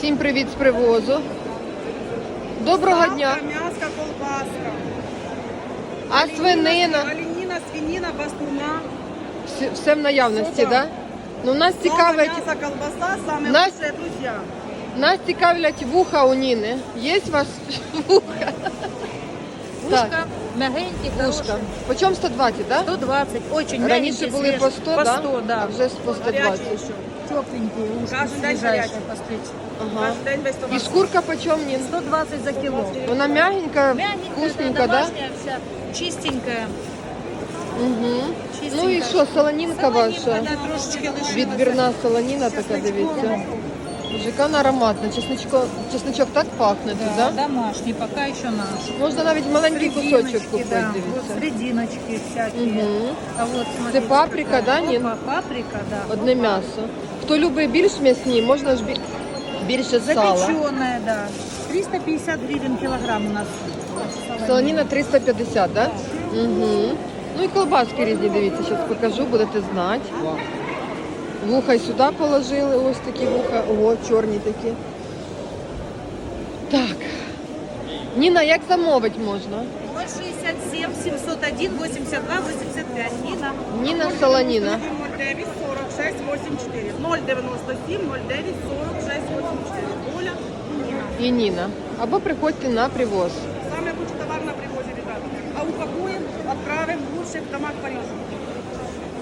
Всім привіт з привозу. Доброго дня. М'ясо, колбаска. А свинина? Оленина, свинина, бастуна. Все в наявності, так? Да? Ну, нас цікавить, Мясо, колбаса, самые Нас- лучшие друзья. нас цікавлять вуха у Ніни. Є у вас вуха? Ушка, мягенькие, Вушка. Почем 120, так? Да? 120, очень Раніше мягенькие, були по свежие. 100, по да? 100, да. А вже по 120. Горячие еще. Тепленькие ушки, Каждый день свежайшие, горячие. посмотрите. Ага. Каждый день без І томатов. шкурка почем, Нін? 120 за кило. Вона мягенька, Мягенькая, вкусненька, да? домашняя вся, чистенькая. Угу. Чистенька. Ну і що, солонінка ваша? Да, трошечки лишилася. Відбірна солоніна така, дивіться. Жикан ароматна. Чесничок так пахне тут, Да, да? домашний, пока еще наш. Можна навіть маленький кусочок Срединочки, купити, да, вот дивіться. срединочки всякие. Угу. А вот, смотрите, паприка, какая. да, Нин? Опа, паприка, да. Одне Опа. м'ясо. Хто любить більш м'ясні, можна ж більше сала. Запеченная, да. 350 гривен килограмм у нас. Солоніна 350, да? Угу. Ну і колбаски різні, дивіться, зараз покажу, будете знати. Вуха й сюди положили, ось такі вуха. Ого, чорні такі. Так. Ніна, як замовити можна? 067 701 82 85. Нина. Ніна Солоніна. 09 46 84. 097 09 46 84. Оля и Нина. І Ніна. Або приходьте на привоз. Самый лучший товар на привозе, ребята. А упакуем, отправим лучше в домах Парижа.